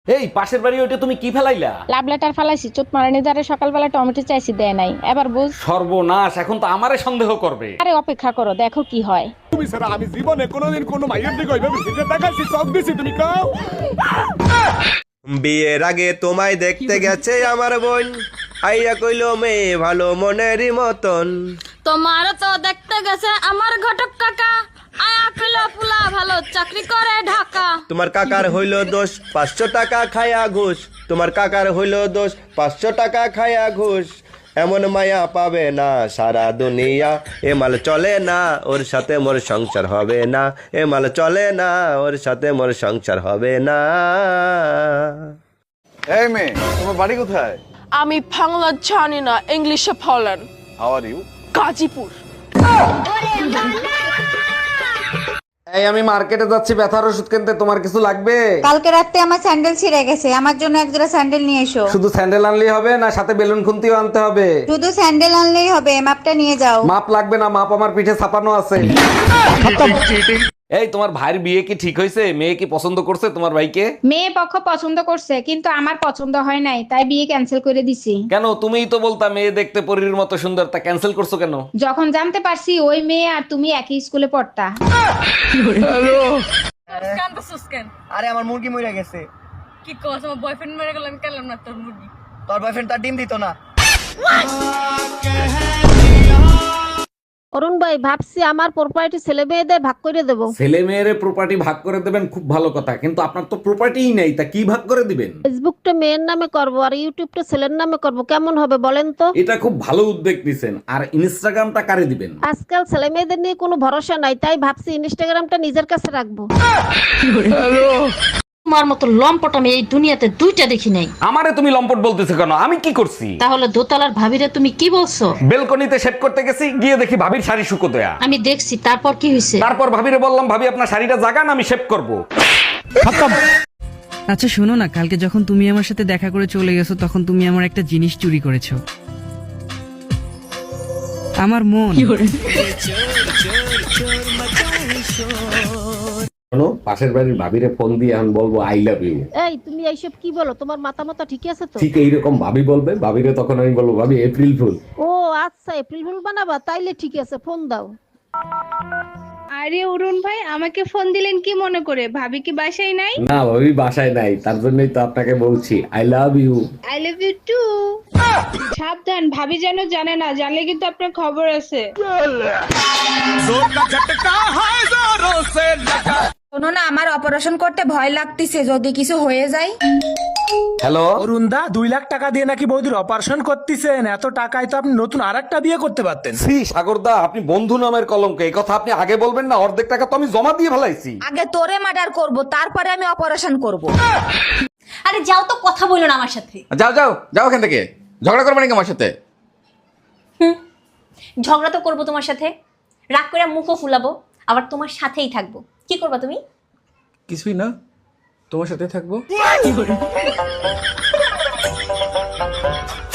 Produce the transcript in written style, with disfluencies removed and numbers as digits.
এই পাশের বাড়ি ওইটা তুমি কি ফেলাইলা? লাভ লেটার ফালাইছি, চোট মারানি দ্বারা সকালবেলা টমেটো চাইছি, দেয় নাই। এবার বুঝ। সর্বনাশ, এখন তো আমারে সন্দেহ করবে। আরে অপেক্ষা করো, দেখো কি হয়। তুমি ছাড়া আমি জীবনে কোনোদিন কোনো মাইয়ের দিকে ওইভাবে ফিরে তাকাইছি, চোখ দিছি, তুমি কাও। বিয়ের আগে তোমায় দেখতে গেছে আমার বোন, আইয়া কইলো মেয়ে ভালো মনেরই মতন। তোমার তো দেখতে গেছে আমার ঘটক কাকা, আয়া কইলো পুলা ভালো চাকরি করে ঢাকা। তোমার কাকার হইলো দোষ 500 টাকা খায়া ঘুষ, তোমার কাকার হইলো দোষ 500 টাকা খায়া ঘুষ। এমন মায়া পাবে না সারা দুনিয়া, এ মাল চলে না ওর সাথে মোর সংসার হবে না, এ মাল চলে না ওর সাথে মোর সংসার হবে না। এই মেয়ে, তোমার বাড়ি কোথায়? আমি বাংলা জানি না, ইংলিশে বলেন। How are you? গাজীপুর। এই আমি মার্কেটে যাচ্ছি ব্যথার ওষুধ কিনতে, তোমার কিছু লাগবে? কালকে রাতে আমার স্যান্ডেল ছিঁড়ে গেছে, আমার জন্য এক জোড়া স্যান্ডেল নিয়ে এসো। শুধু স্যান্ডেল আনলেই হবে না, সাথে বেলুন খুন্তিও আনতে হবে? শুধু স্যান্ডেল আনলেই হবে, মাপটা নিয়ে যাও। মাপ লাগবে না, মাপ আমার পিঠে ছাপানো আছে। এই তোমার ভাইয়ের বিয়ে কি ঠিক হয়েছে? মেয়ে কি পছন্দ করছে তোমার ভাইকে? মেয়ে পক্ষ পছন্দ করছে, কিন্তু আমার পছন্দ হয় নাই, তাই বিয়ে ক্যান্সেল করে দিছি। কেন? তুমিই তো বলতা মেয়ে দেখতে পরীর মতো সুন্দর, তা ক্যান্সেল করছো কেন? যখন জানতে পারছি ওই মেয়ে আর তুমি একই স্কুলে পড়তা। আরে আমার মুরগি মরে গেছে। কি কস, আমার বয়ফ্রেন্ড মেরে গেল, আমি খেলাম না তোর মুরগি। তোর বয়ফ্রেন্ড তার ডিম দিত না। অরুণ ভাই, ভাবছি আমার প্রপার্টি ছেলে মেয়েদের ভাগ করে দেব। ছেলে মেয়ের প্রপার্টি ভাগ করে দেবেন, খুব ভালো কথা, কিন্তু আপনার তো প্রপার্টিই নেই, তা কি ভাগ করে দিবেন? ফেসবুকটা মেয়ের নামে করব আর ইউটিউবটা ছেলের নামে করব, কেমন হবে বলেন তো? এটা খুব ভালো উদ্যোগ নিছেন। আর ইনস্টাগ্রামটা কারে দিবেন? আজকাল ছেলে মেয়েদের নিয়ে কোনো ভরসা নাই, তাই ভাবছি ইনস্টাগ্রামটা নিজের কাছে রাখবো। তোমার মতো লম্পট আমি এই দুনিয়াতে দুইটা দেখি নাই। আমারে তুমি লম্পট বলতেছো কেন? আমি কি করছি? তাহলে দোতলার ভাবিরে তুমি কি বলছো? বেলকনিতে শেভ করতে গেছি, গিয়ে দেখি ভাবির শাড়ি শুকো দেয়া। আমি দেখছি, তারপর কি হয়েছে? তারপর ভাবিরে বললাম, ভাবি আপনার শাড়িটা জাগান, আমি শেভ করব। আচ্ছা শোনো না, কালকে যখন তুমি আমার সাথে দেখা করে চলে গেছো, তখন তুমি আমার একটা জিনিস চুরি করেছো, আমার মন। শোনো, পাশের বাড়ির ভাবিরে ফোন দিয়ে আমি বলবো আই লাভ ইউ। এই তুমি এইসব কি বলো? তোমার মাথা ঠিক আছে তো? ঠিক এইরকম ভাবি বলবে, ভাবিরে তখন আমি বলবো ভাবি এপ্রিল ফুল। ও আচ্ছা, এপ্রিল ফুল বানাবা? তাইলে ঠিক আছে, ফোন দাও। আরে অরুণ ভাই, আমাকে ফোন দিলেন কি মনে করে? ভাবি কি বাসায় নাই? না, ভাবি বাসায় নাই, তার জন্যই তো আপনাকে বলছি I love you. I love you too. সাবধান, ভাবি যেন জানে না, জানলে কিন্তু আপনার খবর আছে। শোনো না, আমার অপারেশন করতে ভয় লাগতেছে, যদি কিছু হয়ে যায়। হ্যালো অরুণদা, 2 লাখ টাকা দিয়ে নাকি বৌদির অপারেশন করতেছেন? এত টাকায় তো আপনি নতুন আরেকটা বিয়ে করতে পারতেন। শ্রী সাগরদা, আপনি বন্ধু নামের কলঙ্ক, এই কথা আপনি আগে বলবেন না? অর্ধেক টাকা তো আমি জমা দিয়ে ফেলাইছি। আগে তোরে মার্ডার করব, তারপরে আমি অপারেশন করব। আরে যাও তো, কথা বলো না আমার সাথে। যাও যাও যাও এখান থেকে, ঝগড়া করবে নাকি আমার সাথে? ঝগড়া তো করবো তোমার সাথে, রাগ করে মুখও ফুলাবো, আবার তোমার সাথেই থাকবো। কি করবা তুমি? কিছুই না, তোমার সাথে থাকবো।